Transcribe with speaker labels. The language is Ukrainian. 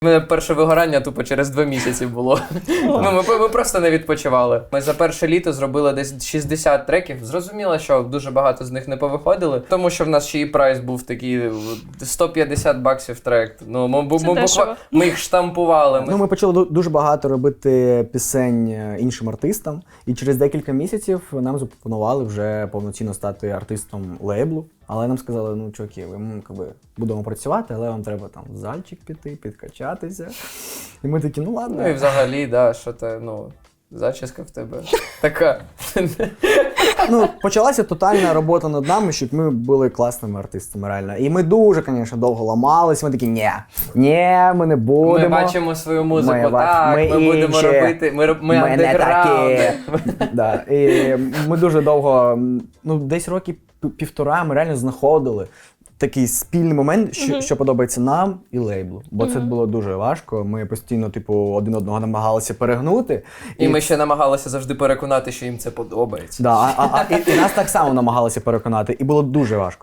Speaker 1: У мене перше вигорання тупо через 2 місяці було. Ми просто не відпочивали. Ми за перше літо зробили десь 60 треків. Зрозуміло, що дуже багато з них не повиходили, тому що в нас ще і прайс був такий $150 трек. Ну, ми їх штампували.
Speaker 2: Ну, ми почали дуже багато робити пісень іншим артистам, і через декілька місяців нам запропонували вже повноцінно стати артистом лейблу. Але нам сказали, ну, чуваки, ми будемо працювати, але вам треба там в зальчик піти, підкачатися. І ми такі, ну ладно.
Speaker 1: Ну і взагалі, да, що ти, зачіска в тебе така.
Speaker 2: Ну, почалася тотальна робота над нами, щоб ми були класними артистами, реально. І ми дуже, звісно, довго ламались, ми такі, ні, ми не будемо.
Speaker 1: Ми бачимо свою музику, ми будемо робити, ми андеграунди.
Speaker 2: Да. І ми дуже довго, десь роки півтора ми реально знаходили такий спільний момент, що подобається нам і лейблу. Бо це було дуже важко. Ми постійно, один одного намагалися перегнути.
Speaker 1: І ми ще намагалися завжди переконати, що їм це подобається.
Speaker 2: Да, і нас так само намагалися переконати, і було дуже важко.